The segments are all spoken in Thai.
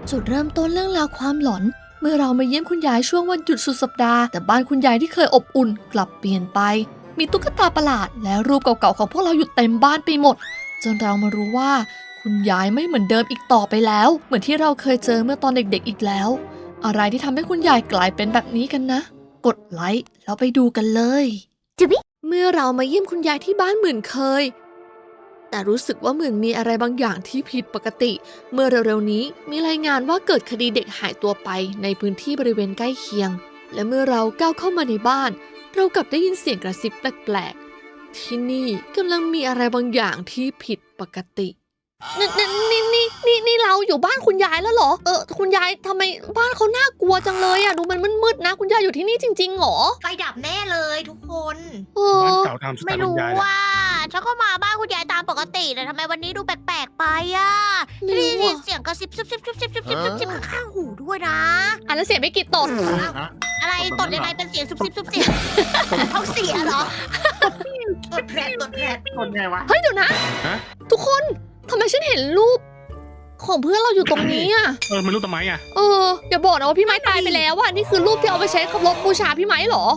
จุดเริ่มต้นเรื่องราวความหลอนเมื่อเรามาเยี่ยมคุณยายช่วงวันหยุดสุดสัปดาห์แต่บ้านคุณยายที่เคยอบอุ่นกลับเปลี่ยนไปมีตุ๊กตาประหลาดและรูปเก่าๆของพวกเราอยู่เต็มบ้านไปหมดจนเรามารู้ว่าคุณยายไม่เหมือนเดิมอีกต่อไปแล้วเหมือนที่เราเคยเจอเมื่อตอนเด็กๆอีกแล้วอะไรที่ทำให้คุณยายกลายเป็นแบบนี้กันนะกดไลค์แล้วไปดูกันเลยเมื่อเรามาเยี่ยมคุณยายที่บ้านเหมือนเคยแต่รู้สึกว่าเหมือนมีอะไรบางอย่างที่ผิดปกติเมื่อเร็วๆนี้มีรายงานว่าเกิดคดีเด็กหายตัวไปในพื้นที่บริเวณใกล้เคียงและเมื่อเราก้าวเข้ามาในบ้านเรากลับได้ยินเสียงกระซิบแปลกๆที่นี่กำลังมีอะไรบางอย่างที่ผิดปกตินี่เราอยู่บ้านคุณยายแล้วเหรอคุณยายทำไมบ้านเขาน่ากลัวจังเลยอ่ะดูมันมืดๆนะคุณยายอยู่ที่นี่จริงๆหรอไฟดับแน่เลยทุกคนบ้านเก่าทำสไตไม่ล์คุณรู้ยายแหละว่าฉันก็มาบ้านคุณยายตามปกติแต่ทำไมวันนี้ดูแปลกๆไปอ่ะไม่ได้รู้ยินอะเสียงกระซิบซิบซิบซิบซิบซิบซิบซิบข้างหูด้วยนะอ่ะแล้วเสียงไม่กี่ตดอะไรตดยังไงเป็นเสียงซุบซิบซุบซิบท้องเสียเหรอตดแผลตดแผลคนไงวะเฮ้ยเดี๋ยวนะฮะทุกคนทำไมฉันเห็นรูปของเพื่อนเราอยู่ตรงนี้อ่ะไม่รู้ทำไมอ่ะอย่าบอกนะว่าพี่ไม้ตายไปแล้วอ่ะนี่คือรูปที่เอาไปใช้เคารพบูชาพี่ไม้เหรอ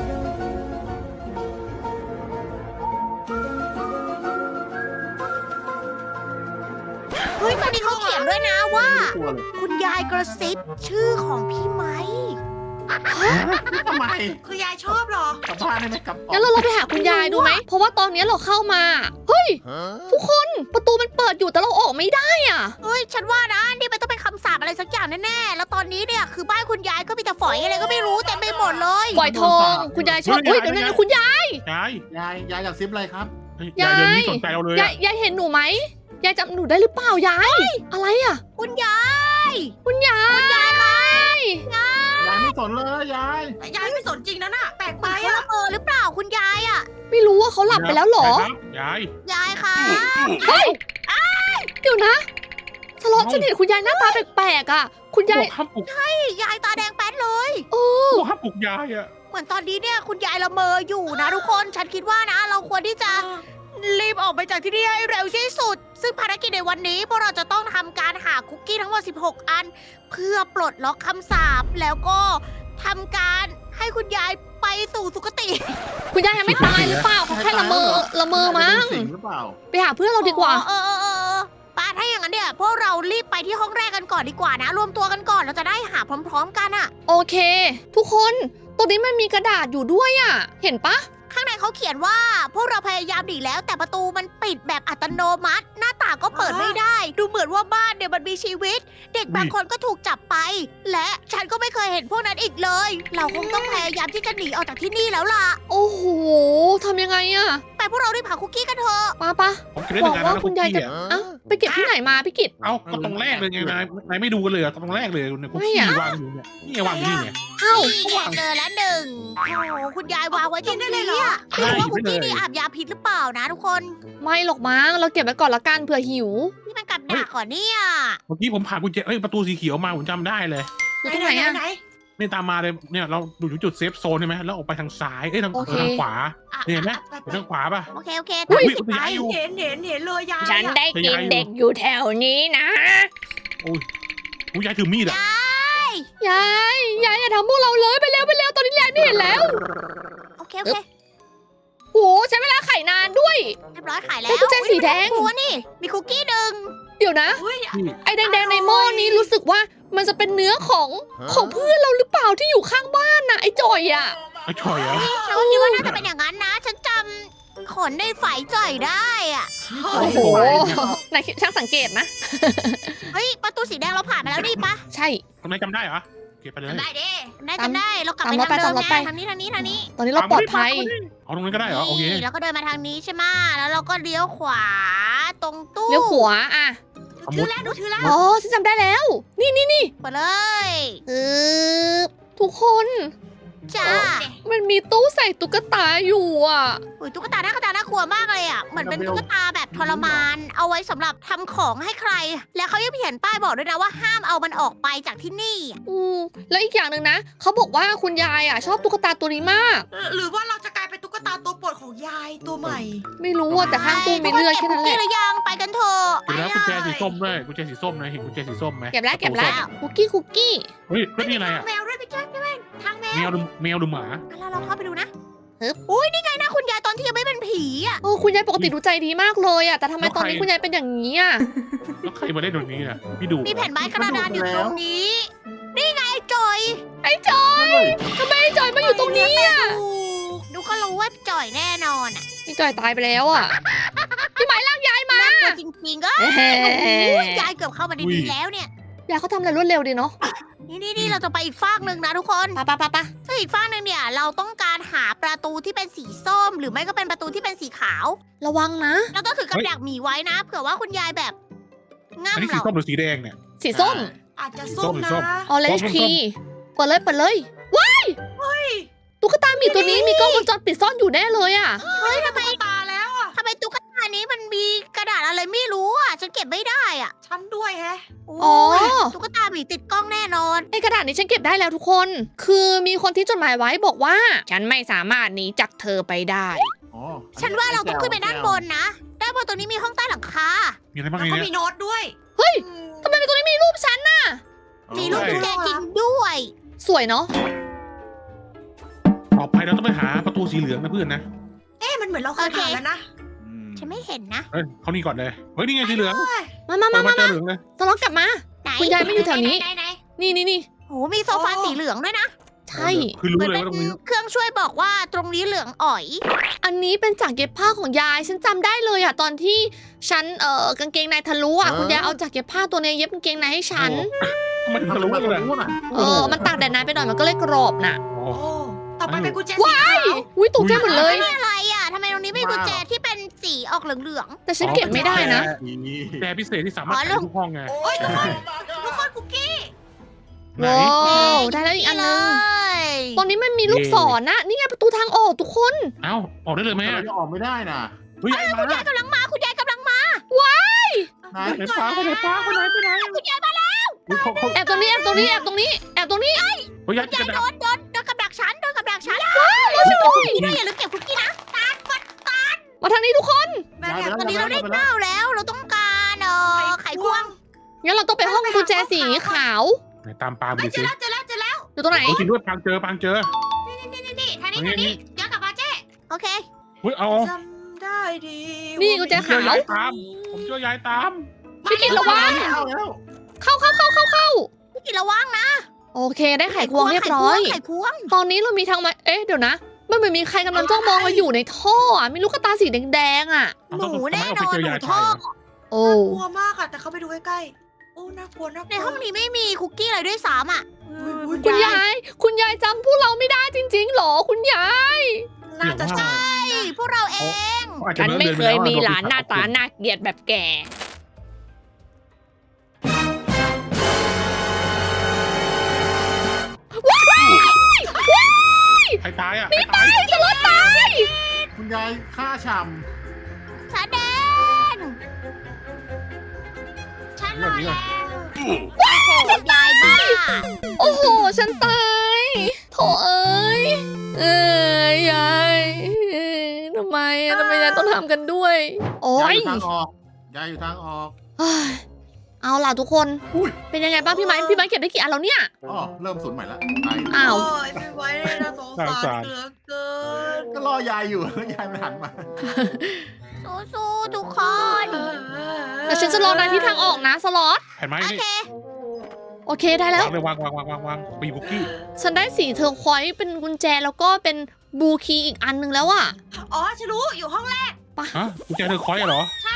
เฮ้ยตอนนี้เขาเขียนด้วยนะว่าตัวเลยคุณยายกระซิบชื่อของพี่ไม้ทำไมคือยายชอบหรอกลับบ้านได้ไหมกลับงั้นเราลองไปหาคุณยายดูไหมเพราะว่าตอนนี้เราเข้ามาเฮ้ยทุกคนประตูมันเปิดอยู่แต่เราออกไม่ได้อ่ะเฮ้ยฉันว่านะนี่มันต้องเป็นคำสาปอะไรสักอย่างแน่ๆแล้วตอนนี้เนี่ยคือบ้านคุณยายก็มีแต่ฝอยอะไรก็ไม่รู้เต็มไปหมดเลยปล่อยทองคุณยายชอบเฮ้ยเดี๋ยวนะคุณยายยายยายอยากซิปอะไรครับยายเดินไม่สนใจเราเลยยายเห็นหนูไหมยายจำหนูได้หรือเปล่ายายอะไรอ่ะคุณยายคุณยายยายไม่สนเลยยายยายไม่สนจริงนะน่ะแปลกไปอะหรือเปล่าคุณยายอะไม่รู้ว่าเขาหลับไปแล้วเหรอยายยายคะเฮ้ยเดี๋ยวนะสล็อตฉันเห็นคุณยายหน้าตาแปลกๆอ่ะคุณยายห้ามปลุกยายตาแดงแป๊ดเลยห้ามปลุกยายอ่ะเหมือนตอนนี้เนี่ยคุณยายละเมออยู่นะทุกคนฉันคิดว่านะ เราควรที่จะรีบออกไปจากที่นี่ให้เร็วที่สุด ซึ่งภารกิจในวันนี้พวกเราจะต้องทำการหาคุกกี้ทั้งหมด16 อัน เพื่อปลดล็อกคำสาปแล้วก็ทำการให้คุณยายไปสู่สุคติคุณยายยังไม่ตายหรือเปล่าเขาแค่ละเมอมั้งสิงหรือเปล่าไปหาเพื่อนเราดีกว่าป้าถ้าอย่างนั้นเนี่ยพวกเรารีบไปที่ห้องแรกกันก่อนดีกว่านะ รวมตัวกันก่อนเราจะได้หาพร้อมๆกันอะโอเค ทุกคนตรงนี้มันมีกระดาษอยู่ด้วยอ่ะเห็นปะข้างในเขาเขียนว่า พวกเราพยายามหนีแล้วแต่ประตูมันปิดแบบอัตโนมัติ หน้าต่างก็เปิดไม่ได้ ดูเหมือนว่าบ้านเนี่ยมันมีชีวิต เด็กบางคนก็ถูกจับไป และฉันก็ไม่เคยเห็นพวกนั้นอีกเลย เราคงต้องพยายามที่จะหนีออกจากที่นี่แล้วล่ะโอ้โหทำยังไงอ่ะไปพวกเรารีบหาคุกกี้กันเถอะปะผมคิดได้บยัอกงไงว่านะคุณยายจะเอ้าไปเก็บที่ไหนมาพี่กิตเอ้าก็ตรงแรกเลยไงนายไม่ดูกันเลยตรงแรกเลยในคุกกี้วางอยู่เนี่ยนี่วางอยู่นี่เนี่ยเอ้านี่เจอแล้วหนึ่งโอ้โหคุณยายวางไว้ตรงนี้อะไม่รู้ว่าคุกกี้นี่อาบยาพิษหรือเปล่านะทุกคนไม่หรอกมั้งเราเก็บไว้ก่อนละกันเผื่อหิวนี่มันกับดักก่อนเนี่ยเมื่อกี้ผมผ่านกุญแจประตูสีเขียวมาผมจำได้เลยอยู่ตรงไหนอ่ะนี่ตามมาเลยเนี่ยเราอยู่จุดเซฟโซนใช่ไหมแล้วออกไปทางซ้ายทางโอเคทางขวาเห็นไหมทางขวาป่ะโอเคโอเคอุ้ยติดไปยายอยู่เห็นเลยยายฉันได้กินเด็กอยู่แถวนี้นะยายถือมีดอ่ะยายอย่าทำพวกเราเลยไปเร็วตอนนี้ยายไม่เห็นแล้วโอเคโอเคโอ้ใช้เวลาไขนานด้วยเรียบร้อยขายแล้วได้กุญแจสีแดงตัวนี่มีคุกกี้หนึ่งเดี๋ยวนะ ไอ้แดงๆในหม้อนี้รู้สึกว่ามันจะเป็นเนื้อของเพื่อนเราหรือเปล่าที่อยู่ข้างบ้านนะไอ้จอยอ่ะไอ้ช่อยเหรอฉันก็คิดว่าน่าจะเป็นอย่างนั้นนะ ฉันจำขนในฝ่ายจ่อยได้อะโอ้โหนายช่างสังเกตนะเฮ้ยประตูสีแดงเราผ่านมาแล้วนี่ปะใช่ทำไมจำได้เหรอเก็บไปเลยจำได้เรากลับไปตามรถทางเดิมไปไงทางนี้ตอนนี้เราปลอดภัยเอาตรงนั้นก็ได้เหรอโอเคนี่แล้วก็เดินมาทางนี้ใช่ไหมแล้วเราก็เลี้ยวขวาตรงตู้เลี้ยวขวาอ่ะถือแล้วดูถือแล้วอ๋อฉันจำได้แล้ว นี่ไปเลยทุกคนจ้ามันมีตู้ใส่ตุ๊กตาอยู่อ่ะอุ้ยตุ๊กตาน่ากลัวมากเลยอ่ะเหมือนเป็นตุ๊กตาแบบทรมาน เอาไว้สำหรับทำของให้ใคร และเขายังเขียนป้ายบอกด้วยนะว่าห้ามเอามันออกไปจากที่นี่แล้วอีกอย่างหนึ่งนะเขาบอกว่าคุณยายอ่ะชอบตุ๊กตาตัวนี้มากหรือว่าเราจะกลายเป็นตุ๊กตาตัวโปรดดของยายตัวใหม่ไม่รู้ว่าแต่ข้างตู้มีเลือดแค่นั้นแหนี่ละหรือยังไปกันเถอะเดี๋ยวนะกุญแจสีส้มด้วยกุญแจสีส้มนะเห็นกุญแจสีส้มไหมเก็บแล้วประตูส้มคุกกี้เฮ้ยแล้วนี่อะไรทางอ่ะแมวด้วยพี่แจ๊คใช่ไหมทางแมวแมวหรือหมาแล้วเราเข้าไปดูนะอุ้ยนี่ไงนะคุณยายตอนที่ยังไม่เป็นผีอ่ะโอ้คุณยายปกติดูใจดีมากเลยอะแต่ทำไมตอนนี้คุณยายเป็นอย่างนี้อะแล้วใครมาเล่นตรงนี้อ่ะพี่ดูมีแผ่นไม้กระดานอยู่ตรงนี้ นี่ไงไอ้จอยไอ้จอยทำไมไอ้จอยมาอยู่ตรงนี้อะดูก็รู้ว่าจอยแน่นอนอ่ะไอ้จอยตายไปแล้วอะพี่ไม้ลากยายมาน่ากลัวจริงๆก็เฮ้ยายเกือบเข้ามาดีๆแล้วเนี่ยยายเขาทำอะไรรวดเร็วดีเนาะนี่เราจะไปอีกฟากหนึ่งนะทุกคนปะซึ่งอีกฟากหนึ่งเนี่ยเราต้องการหาประตูที่เป็นสีส้ม หรือไม่ก็เป็นประตูที่เป็นสีขาวระวังนะเราต้องถือกับดักหมีไว้นะ เผื่อว่าคุณยายแบบอันง่ำนี้สีเราส้มหรือสีแดงเนี่ยสีส้มอาจจะส้มนะส้มออเรนจ์คีเปิดเลยว้ายตุ๊กตาหมีตัวนี้มีกล้องวงจรปิดซ่อนอยู่แน่เลยอะเฮ้ยทำไมตาแล้วอ่ะทำไมตุ๊กตานี้มันมีกระดาษอะไรไม่รู้อ่ะฉันเก็บไม่ได้อ่ะฉันด้วยแฮะโอ้ยตุ๊กตาหมีติดกล้องแน่นอนไอ้กระดาษนี้ฉันเก็บได้แล้วทุกคน คือมีคนที่จดหมายไว้บอกว่า ฉันไม่สามารถหนีจากเธอไปได้อ๋อฉันว่าเราต้องขึ้นไปด้านบนนะ ด้านบนตรงนี้มีห้องใต้หลังคามีอะไรบ้างแล้วในก็เนี้มียโน้ตด้วยเฮ้ยอืมทำไมตรงนี้มีรูปฉันน่ะมีลูกกุญแจจริงด้วยสวยเนาะต่อไปเราต้องไปหาประตูสีเหลืองนะเพื่อนนะเอ๊ะมันเหมือนเราเคยผ่านแล้วนะฉันไม่เห็นนะเฮ้ยเขานี่ก่อนเลยเฮ้ยนี่ไงสีเหลืองมาเปิดมาเจอเหลืองเลยสล็อตกลับมาไหนคุณยายไม่อยู่แถวนี้ไหนนี่โอ้มีโซฟาสีเหลืองด้วยนะใช่คือรู้เหมือนเลยเป็นว่าตรงนี้เครื่องช่วยบอกว่าตรงนี้เหลืองอ๋อยอันนี้เป็นจากเย็บผ้าของยาย ฉันจำได้เลยอะตอนที่ฉันกางเกงในทะลุอะคุณยายเอาจากเย็บผ้าตัวนี้เย็บกางเกงในให้ฉันทำไมถึงทะลุเลยล่ะมันตากแดดนานไปหน่อยมันก็เลยกรอบน่ะอ๋อโอ้ต่อไปเป็นกุญแจสีขาวอุ้ยตกใจหมดเลยนี่อะไรอ่ะทำไมตรงนี้มีกุญแจที่เป็นสีออกเหลืองแต่ฉันเก็บไม่ได้นะนี่แต่พิเศษที่สามารถใช้ทุกห้องไงโอ้ยทุกคนคุกกี้ไหนว้าวๆได้แล้วอีกอันเลนึงยตอนนี้มันมีลูกศรนะ นี่ไงประตูทางออกทุกคนเอ้าออกได้เลยไหมเราจะออกไม่ได้น่ะเฮ้ยมาคุณยายกำลังมาคุณยายกำลังมาไหนไหนป้าไปไหนป้าไปไหนไปไหนคุณยายมาแล้วเขาแอบตรงนี้แอบตรงนี้แอบตรงนี้แอบตรงนี้เฮ้ยยัดยายกระโดดาษนกับดักฉันโดนกับดักฉันมาช่วยด้วยพี่ด้วยอย่าลืมเก็บคุกกี้นะมาทางนี้ทุกคนแม่ย้ายแอบไปตอนนี้เราได้แล้วเก้าแล้วเราต้องการไขควงงั้นเราต้องไปห้องกุญแจสีขาวไหนตามปาไปเฮ้ยดิเจสิอแล้วเจอแล้วอยู่ตรงไหนโอ้จริงด้วยปางเจอนี่ทางนี้ย้อนกลับมาเจ๊โอเคเฮ้ยเอาจำได้ดีนี่กุญแจเจอยายตามผมเจอยายตามพี่กินระวังเข้าแล้วเข้าพี่กินระวังนะโอเคได้ไขควงเรียบร้อยไขควงตอนนี้เรามีทางมาเอ๊ะเดี๋ยวนะมันเหมือนมีใครกำลังจ้องมองเราอยู่ในท่ออะมีลูกกระตาสีแดงๆอ่ะหนูแน่นอนหนูท่อโอ้กลัวมากอะแต่เขาไปดูใกล้ๆโอ้น่ากลัวน่ากลัวในห้องนี้ไม่มีคุกกี้อะไรด้วยซ้ำอ่ะคุณยาย คุณยายจำพวกเราไม่ได้จริงๆหรอคุณยายน่าจะใช่พวกเราเองฉันไม่เคยมีหลานหน้าตาน่าเกลียดแบบแกใครตายอ่ะนี่ตายจะรถตายคุณยายฆ่าฉ่ฉันเดนฉันรอแล้วโอ้โหยายบ้าโอ้โห ฉันตายโถเอ้ยยายทำไมยายต้องทำกันด้วย โอ้ำยายยอยู่ทางออกยายอยู่ทางออกเฮ้ยเอาล่ะทุกคนอุ้ยเป็นยังไงบ้างพี่ไม้เก็บได้กี่อันแล้วเนี่ยอ๋อเริ่มศูนย์ใหม่ละไปอ้าวโอ้ยไม่ไหวเลยนะสงสารเหลือเกินก็รอยายอยู่แล้วยายมันหันมาสู้ๆทุกคนแต่ฉันจะรอนายที่ทางออกนะสล็อตเห็นไหมโอนี่เคโอเคได้แล้ววางเลยวางปีบุกกี้ฉันได้สีเทอร์ควอยซ์เป็นกุญแจแล้วก็เป็นบลูคีย์อีกอันนึงแล้วอะอ๋อฉันรู้อยู่ห้องแรกฮะกุญแจเธอคอยเหรอใช่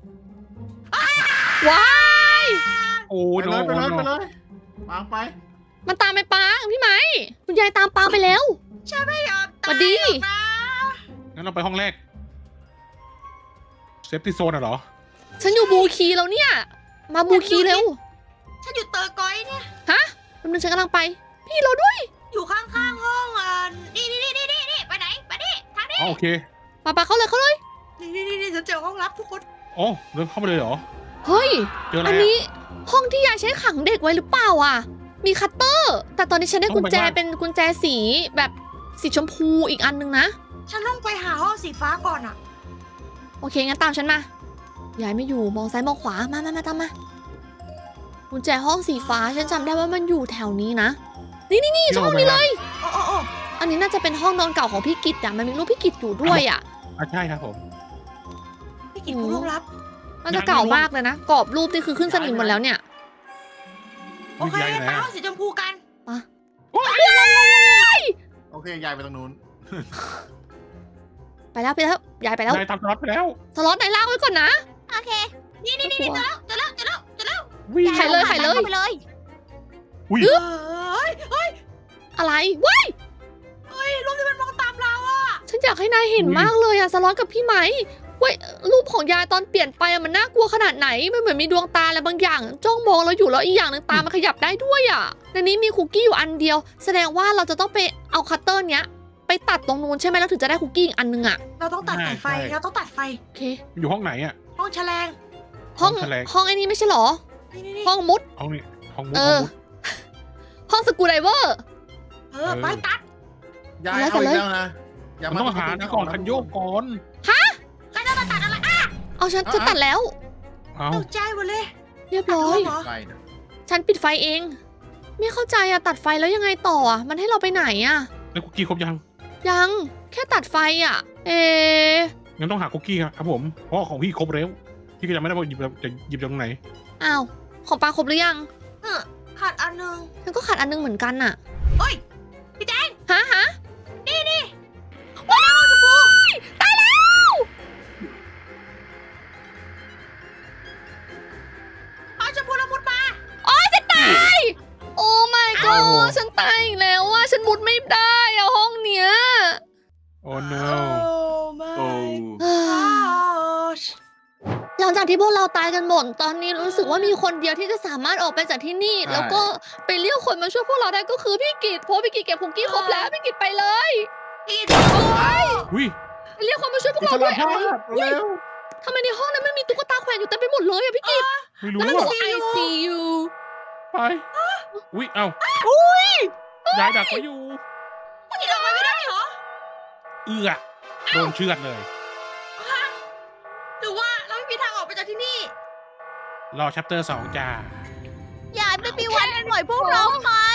ว้ายโอ้ไปโหเลยไปเลยวางไปมันตามไปปางพี่ไม้คุณยายตามปางไปแล้วไม่ยอมสวัตายสดีหรอกนะงั้นเราไปห้องแรกเซฟตี้โซนเหรอฉันอยู่บลูคีย์แล้วเนี่ย มาบลูคีย์เร็วฉันอยู่เตอร์กอยเนี่ยแป๊บนึงฉันกำลังไป พี่เราด้วยอยู่ข้างๆห้องนี่ไปไหนมาดิทางนี้อ๋อโอเคปาเข้าเลยนี่ฉันเจอห้องลับทุกคนอ๋อเดินเข้าไปเลยเหรอเฮ้ยเจออะไรอันอ่ะนี้ห้องที่ยายใช้ขังเด็กไว้หรือเปล่าอ่ะ มีคัตเตอร์ แต่ตอนนี้ฉันได้กุญแจต้องไปว่าเป็นกุญแจสีแบบสีชมพูอีกอันนึงนะฉันต้องไปหาห้องสีฟ้าก่อนอะโอเคงั้นตามฉันมายายไม่อยู่มองซ้ายมองขวามาตามมากุญแจห้องสีฟ้าฉันจำได้ว่ามันอยู่แถวนี้นะนี่ช่องนี้เลยโอ้อันนี้น่าจะเป็นห้องนอนเก่าของพี่กิตอะมันมีรูปพี่กิตอยู่ด้วยอะใช่ครับผมพี่กินผู้ล่วงลับมันจะเก่ามากเลยนะกรอบรูปนี่คือขึ้นสนิมหมดแล้วเนี่ยโอเคไปห้องสีชมพูกันโอเคยายไปตรงนู้นไปแล้วยายไปแล้วนายตามสล็อตไปแล้วสล็อตไหนล่างไว้ก่อนนะโอเคนี่เจอแล้ววิ่งใครเลยเข้าไปเลยอุ้ยเฮ้ยอะไรว้ายรูปที่มันมองตามเราอะฉันอยากให้นายเห็นมากเลยอะสล็อตกับพี่ไหมเว้ยรูปของยายตอนเปลี่ยนไปอะมันน่ากลัวขนาดไหนมันเหมือนมีดวงตาอะไรบางอย่าง จ้องมองเราอยู่แล้วอีกอย่างหนึ่งตามันขยับได้ด้วยอะในนี้มีคุกกี้อยู่อันเดียว แสดงว่าเราจะต้องไปเอาคัตเตอร์เนี้ยไปตัดตรงนู้นใช่ไหมแล้วถึงจะได้คุกกี้อีกอันนึงอะเราต้องตัดสายไฟเราต้องตัดไฟโอเคอยู่ห้องไหนอ่ะห้องแฉลงห้องห้องแถลงห้องไอ้นี่ไม่ใช่เหรอนี่ห้องมุดห้องนี้ห้องมุดเอห้องอมุดห้องสกูไดเวอร์ไปตัดยายเอาเอาเลยอีกแล้วนะมันต้องหานี่ก่อนคันโยกก่อนก็จะมาตัดอะไรเอาฉันตัดแล้วเอาตกใจหมดเลยเรียบร้อยเหรอไฟนะฉันปิดไฟเอง ไม่เข้าใจอะตัดไฟแล้วยังไงต่ออะมันให้เราไปไหนอะแล้วคุกกี้ครบยังยังแค่ตัดไฟอะะงั้นต้องหาคุกกี้ครับผมเพราะของพี่ครบแล้วพี่ก็จะไม่ได้ว่าหยิบจะหยิบจากตรงไหนอ้าวของปลาครบหรือยังขาดอันนึงฉันก็ขาดอันนึงเหมือนกันอะเฮ้ยพี่แจงฮะนี่ว้ายตายแล้วเอาชมพูละมุดมาโอ้ยจะตายโอ้ my โอ้ god ฉันตายอีกแล้วอะฉันมุดไม่ได้อะห้องเนี้ยโอ้ no ไม่โอ้หลังจากที่พวกเราตายกันหมด ตอนนี้รู้สึกว่ามีคนเดียวที่จะสามารถออกไปจากที่นี่ แล้วก็ไปเรียกคนมาช่วยพวกเราได้ก็คือพี่กิตเพราะพี่กิตเก็บคุกกี้ครบแล้วพี่กิตไปเลยพี่อุ้ยไปเรียกคนมาช่วยพวกเราด้วยอะไรอุ๊ยทำไมในห้องนั้นมันมีตุ๊กตาแขวนอยู่เต็มไปหมดเลยอะพี่กิตไม่รู้แล้วมันบอกอ่ะว่า I see you ไปอุ้ยเอ้าอุ้ยยายดักไว้อยู่พี่ออกไปไม่ได้เหรอเอื้อโดนเชือดเลยหรือว่าเราไม่มีทางออกไปจากที่นี่รอชัปเตอร์2จ้าอย่าไม่มีวันปล่อยพวกเราไป